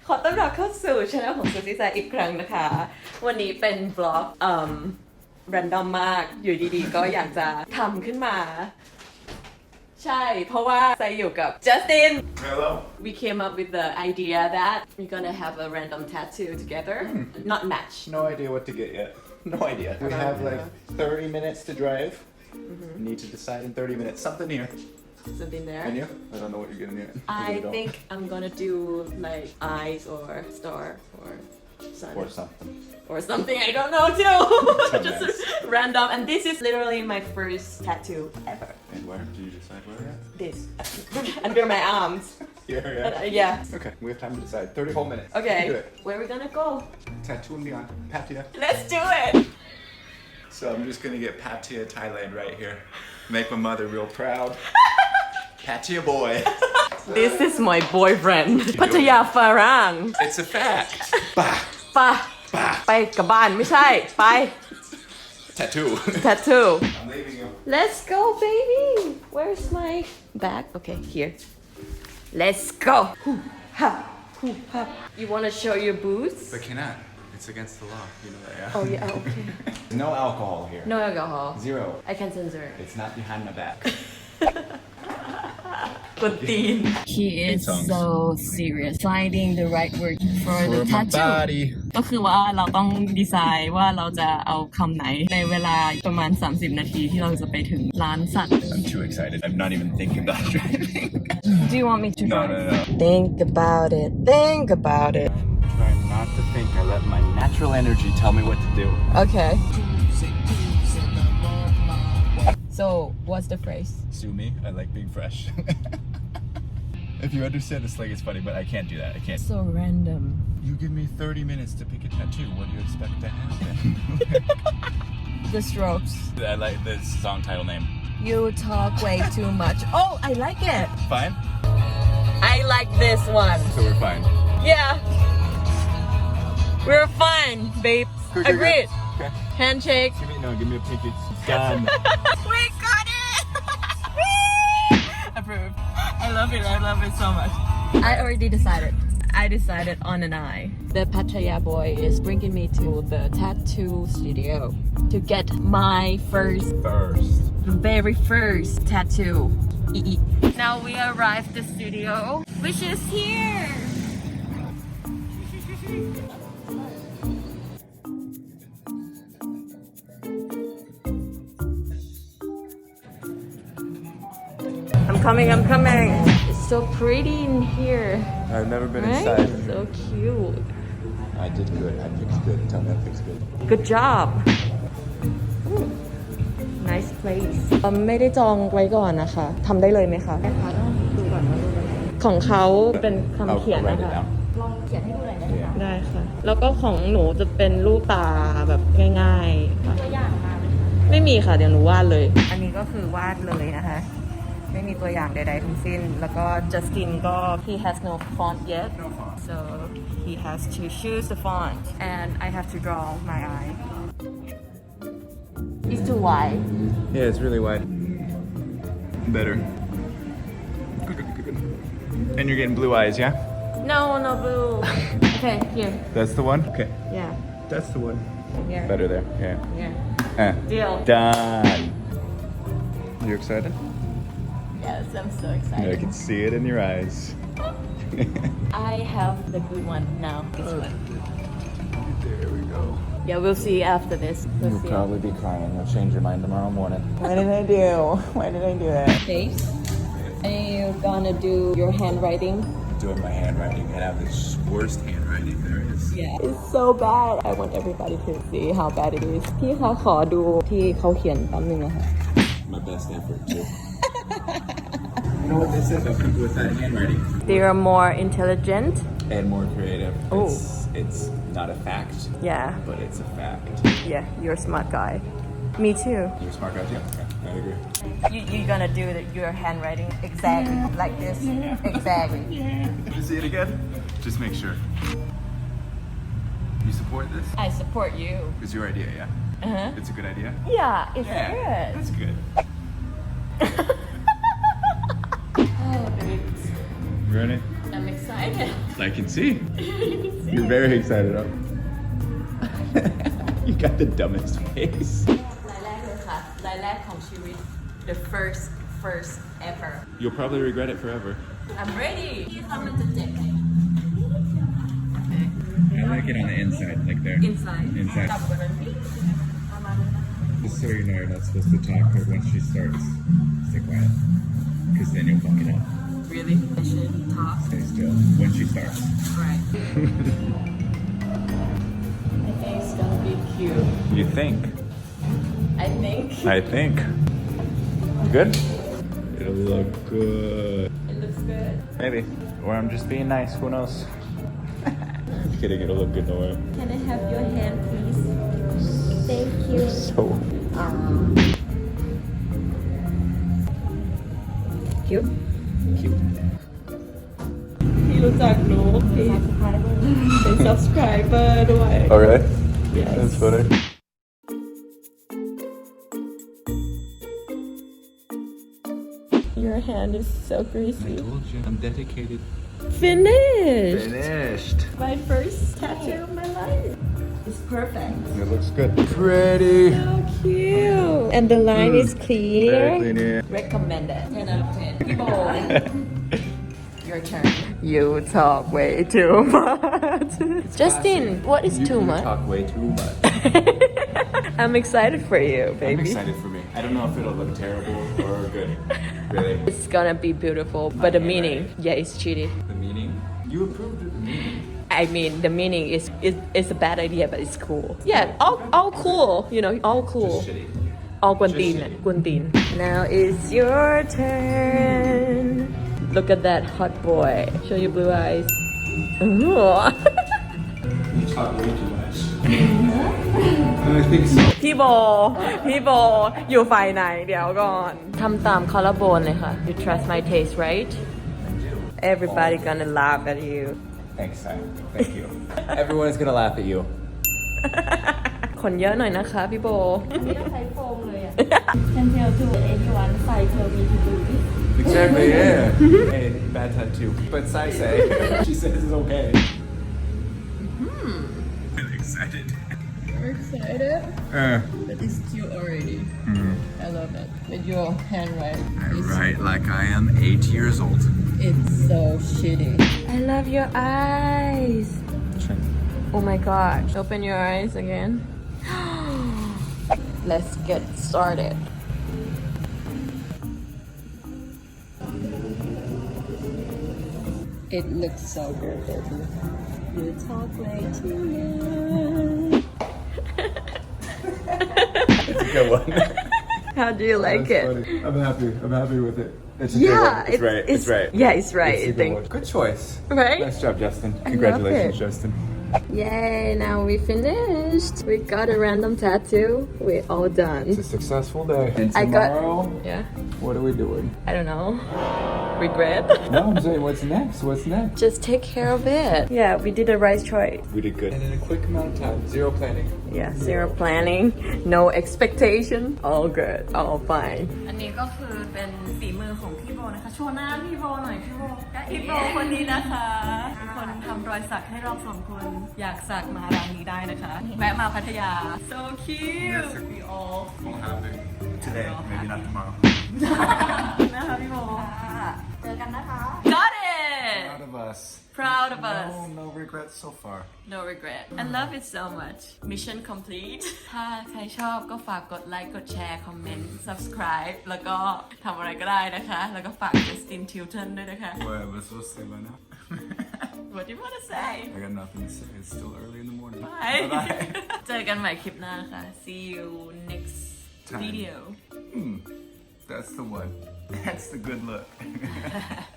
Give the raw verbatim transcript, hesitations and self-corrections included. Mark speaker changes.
Speaker 1: ขอต้อนรับเข้าสู่ช่องของซูซี่แซอีกครั้งนะคะวันนี้เป็นบล็อกเอ่อ random มากอยู่ดีๆก็อยากจะทำขึ้นมาใช่เพราะว่าไซอยู่กับ Justin
Speaker 2: Hello
Speaker 1: we came up with the idea that we're gonna have a random tattoo together not match
Speaker 2: No idea what to get yet No idea We have like thirty minutes to drive We need to decide in thirty minutes Something here
Speaker 1: something there
Speaker 2: And you? I don't know what you're gonna do
Speaker 1: I think I'm gonna do like eyes or star or sun
Speaker 2: Or something
Speaker 1: or something I don't know too just
Speaker 2: nice.
Speaker 1: random and this is literally my first tattoo ever
Speaker 2: And where? Did you decide where yet?
Speaker 1: this under my arms
Speaker 2: Here,
Speaker 1: Uh,
Speaker 2: yeah
Speaker 1: yeah
Speaker 2: Okay, we have time to decide thirty whole minutes
Speaker 1: okay
Speaker 2: Do it
Speaker 1: where are we gonna go
Speaker 2: Tattoo and beyond Pattaya
Speaker 1: let's do it
Speaker 2: So I'm just gonna get Pattaya, Thailand right here Make my mother real proud Pattaya boy
Speaker 1: this is my boyfriend พัทยาฝรั่ง
Speaker 2: It's a fact Bah
Speaker 1: ไปไปกับบ้านไม่ใช่ไป
Speaker 2: Tattoo
Speaker 1: tattoo
Speaker 2: I'm leaving you
Speaker 1: let's go baby where's my bag okay here let's go Hoo, ha, hoo, ha. you want to show your boots
Speaker 2: But cannot It's against the law You know that yeah
Speaker 1: oh yeah okay
Speaker 2: No alcohol here
Speaker 1: no alcohol
Speaker 2: Zero
Speaker 1: I can censor
Speaker 2: It's not behind my back
Speaker 1: กดตีน he is so serious finding the right word for the
Speaker 2: For my
Speaker 1: tattoo
Speaker 2: body
Speaker 1: ก็คือว่าเราต้องดีไซน์ว่าเราจะเอาคำไหนในเวลาประมาณสามสิบนาทีที่เราจะไปถึงร้านสัตว์
Speaker 2: I'm too excited I'm not even thinking about driving
Speaker 1: Do you want me to
Speaker 2: No
Speaker 1: drive?
Speaker 2: no no
Speaker 1: Think about it think about it
Speaker 2: I'm trying not to think I let my natural energy tell me what to do
Speaker 1: Okay So what's the phrase?
Speaker 2: Sue me I like being fresh If you understand this like it's funny but I can't do that I can't
Speaker 1: So random
Speaker 2: You give me thirty minutes to pick a tattoo What do you expect to happen
Speaker 1: The Strokes
Speaker 2: I like the song title name
Speaker 1: You talk way too much Oh I like it
Speaker 2: Fine
Speaker 1: I like this one
Speaker 2: So we're fine
Speaker 1: Yeah We're fine babe
Speaker 2: Good, good,
Speaker 1: Agreed
Speaker 2: good. Okay
Speaker 1: Handshake
Speaker 2: Give me no give me a pinky Done
Speaker 1: We got it Approved I love it I love it so much I already decided I decided on an eye The Pattaya boy is bringing me to the tattoo studio to get my first
Speaker 2: First
Speaker 1: very first tattoo Now we arrived the studio which is here I'm coming, I'm coming. It's so pretty in here.
Speaker 2: I've never been
Speaker 1: Right?
Speaker 2: inside
Speaker 1: So cute.
Speaker 2: I did good I fixed good Tell me I fixed good
Speaker 1: Good job. Ooh. Nice place. เอ่อไม่ได้จองไว้ก่อนนะคะทำได้เลยไหมคะค่ะต้องดูก่อนว่ารูปอะไรของเขาเป็นคำเขียน
Speaker 2: I'll write
Speaker 1: นะ
Speaker 2: it
Speaker 1: คะ
Speaker 2: down
Speaker 1: ลองเขียนให้ดูหน่อยได้ไหมคะ
Speaker 2: Yeah
Speaker 1: ได้ค่ะ แล้วก็ของหนูจะเป็นรูปตาแบบง่ายๆค่ะตัวอย่างมาไหมคะไม่มีค่ะเดี๋ยวหนูวาดเลย อันนี้ก็คือวาดเลยนะคะไม่มีตัวอย่างใดๆทั้งสิ้นแล้วก็ Justin ก็ he has no font yet
Speaker 2: No font
Speaker 1: so he has to choose the font and I have to draw my eye it's too wide
Speaker 2: Yeah, it's really wide. Better. Good, good, good, good. And you're getting blue eyes, yeah?
Speaker 1: no no blue okay here
Speaker 2: That's the one? Okay.
Speaker 1: yeah
Speaker 2: That's the one.
Speaker 1: here
Speaker 2: Better there, yeah.
Speaker 1: yeah
Speaker 2: Eh.
Speaker 1: deal
Speaker 2: Done. You excited?
Speaker 1: yes I'm so
Speaker 2: I
Speaker 1: excited
Speaker 2: can see it in your eyes.
Speaker 1: I have the good one now this one
Speaker 2: There we go.
Speaker 1: yeah we'll see after this we'll
Speaker 2: You'll
Speaker 1: see
Speaker 2: probably be crying. You'll change your mind tomorrow morning.
Speaker 1: what did I do why did I do that face and you're gonna do your handwriting
Speaker 2: Doing my handwriting and I have this worst handwriting there is.
Speaker 1: yeah it's so bad I want everybody to see how bad it is พี่คะขอดูที่เขาเขียนแป๊บนึงนะคะ
Speaker 2: My best effort too. You know what they said about people with that handwriting?
Speaker 1: they are more intelligent
Speaker 2: And more creative.
Speaker 1: Oh.
Speaker 2: It's, it's not a fact,
Speaker 1: yeah
Speaker 2: but it's a fact.
Speaker 1: yeah you're a smart guy me too
Speaker 2: You're a smart guy too. Yeah, I agree.
Speaker 1: you, you're gonna do the, your handwriting exactly like this exactly
Speaker 2: Did you see it again? Just make sure. You support this?
Speaker 1: I support you
Speaker 2: It's your idea, yeah?
Speaker 1: uh-huh
Speaker 2: It's a good idea?
Speaker 1: yeah it's
Speaker 2: Yeah,
Speaker 1: good
Speaker 2: that's good.
Speaker 1: oh, babe.
Speaker 2: Ready?
Speaker 1: I'm excited.
Speaker 2: Like I can see. You're very excited. Up. You got the dumbest face.
Speaker 1: รายแรกเลยค่ะ รายแรกของชีวิต the first first ever
Speaker 2: You'll probably regret it forever.
Speaker 1: I'm ready ที่ทำมันจะเจ็บไหม
Speaker 2: I like it on the inside, like there.
Speaker 1: inside
Speaker 2: Inside.
Speaker 1: ต่ำกว่านั้นพี่ประมาณนั้น
Speaker 2: Just so you know, you're not supposed to talk, but once she starts, stay quiet. Because then you'll fuck it up.
Speaker 1: really I should talk
Speaker 2: Stay still when she starts.
Speaker 1: right I think it's gonna be cute
Speaker 2: You think?
Speaker 1: I think
Speaker 2: I think. Good? It'll look good.
Speaker 1: it looks good
Speaker 2: Maybe. Or I'm just being nice, who knows? Kidding, it'll look good no way.
Speaker 1: Can I have your hand please Thank you
Speaker 2: So.
Speaker 1: cute
Speaker 2: Cute.
Speaker 1: พี่รู้จักหนูพี่เป็น subscriber ด้วย
Speaker 2: Oh, really?
Speaker 1: Yes.
Speaker 2: That's funny.
Speaker 1: Your hand is so
Speaker 2: I
Speaker 1: greasy
Speaker 2: told you, I'm dedicated.
Speaker 1: Finished
Speaker 2: Finished.
Speaker 1: My first tattoo of my life It's perfect
Speaker 2: It looks good. Pretty.
Speaker 1: So cute And the line is clear
Speaker 2: Very clean, yeah.
Speaker 1: Recommended ten out of ten พี่โบ Your turn You talk way too much Justin what is
Speaker 2: You
Speaker 1: too
Speaker 2: you
Speaker 1: much
Speaker 2: talk way too much.
Speaker 1: I'm excited for you
Speaker 2: I'm
Speaker 1: baby
Speaker 2: excited for me. I don't know if it'll look terrible or good. Really.
Speaker 1: It's gonna be beautiful but the meaning yeah it's cheaty
Speaker 2: The meaning? You approved of the meaning.
Speaker 1: I mean, the meaning is is is a bad idea, but it's cool. Yeah, all all cool. You know, all cool.
Speaker 2: Just shitty.
Speaker 1: All guantin,
Speaker 2: shitty.
Speaker 1: guantin. Now it's your turn. Look at that hot boy. Show your blue eyes. Ooh.
Speaker 2: You talk way too much. I think so.
Speaker 1: พี่โบ พี่โบ อยู่ฝ่ายไหน เดี๋ยวก่อน ทำตามคอลลาโบนเลยค่ะ You trust my taste, right? Everybody gonna laugh at you.
Speaker 2: Thanks, Simon. Thank you. Everyone is gonna laugh at you.
Speaker 1: ขนเยอะหน่อยนะคะพี่โบ
Speaker 3: ใช้โฟมเลยอ่ะ Can tell to anyone Sai tell me to do this
Speaker 2: Exactly, yeah. Hey, bad tattoo. But Sai say, she says it's okay. I'm excited.
Speaker 1: You're excited?
Speaker 2: Uh,
Speaker 1: But it's cute already. I love it. With your handwriting.
Speaker 2: I write like I am eight years old.
Speaker 1: It's so shitty. I love your eyes. Oh my gosh. Open your eyes again. Let's get started. It looks so good, baby. You talk way too much.
Speaker 2: It's a good one.
Speaker 1: How do you like
Speaker 2: That's
Speaker 1: it?
Speaker 2: funny. I'm happy. I'm happy with it. It's a
Speaker 1: Yeah,
Speaker 2: good one. It's,
Speaker 1: it-
Speaker 2: right. It's,
Speaker 1: it's-
Speaker 2: right.
Speaker 1: yeah, it's right,
Speaker 2: It's a
Speaker 1: I
Speaker 2: good
Speaker 1: think.
Speaker 2: one. Good choice.
Speaker 1: Right?
Speaker 2: Nice job, Justin.
Speaker 1: I love
Speaker 2: Congratulations,
Speaker 1: it.
Speaker 2: Justin.
Speaker 1: Yay, now we finished. We got a random tattoo. We're all
Speaker 2: It's a
Speaker 1: done.
Speaker 2: successful day. And
Speaker 1: I got-
Speaker 2: tomorrow,
Speaker 1: Yeah,
Speaker 2: what are we doing?
Speaker 1: I don't know. Regret?
Speaker 2: No, I'm saying what's next? What's next?
Speaker 1: Just take care of it. Yeah, we did the right choice.
Speaker 2: We did good. And in a quick amount of time. Zero planning.
Speaker 1: Yeah, zero planning, no expectation, all good, all fine. อันนี้ก็คือเป็นฝีมือของพี่โบนะคะ โชว์หน้าพี่โบหน่อยพี่โบพี่โบคนนี้นะคะเป็นคนทำรอยสักให้เราสองคน อยากสักมาร้านนี้ได้นะคะ แวะมาพัทยา so cute we all
Speaker 2: Won't happen. Today, maybe not tomorrow.
Speaker 1: นะคะพี่โบ
Speaker 3: เจอกันนะคะ
Speaker 1: got it
Speaker 2: Proud of us.
Speaker 1: proud of us
Speaker 2: No, no regrets so far.
Speaker 1: No regret. I love it so much. Mission complete. ถ้าใครชอบก็ฝากกดไลค์ กดแชร์ คอมเมนต์ subscribe แล้วก็ทำอะไรก็ได้นะคะ แล้วก็ฝาก Justin Tilton ด้วยนะคะ
Speaker 2: What am I supposed to say by now?
Speaker 1: What do you want to say?
Speaker 2: I got nothing to say. It's still early in the morning.
Speaker 1: Bye.
Speaker 2: Bye-bye.
Speaker 1: เจอกันใหม่คลิปหน้าค่ะ See you next
Speaker 2: Time.
Speaker 1: video.
Speaker 2: Hmm. That's the one. That's the good look.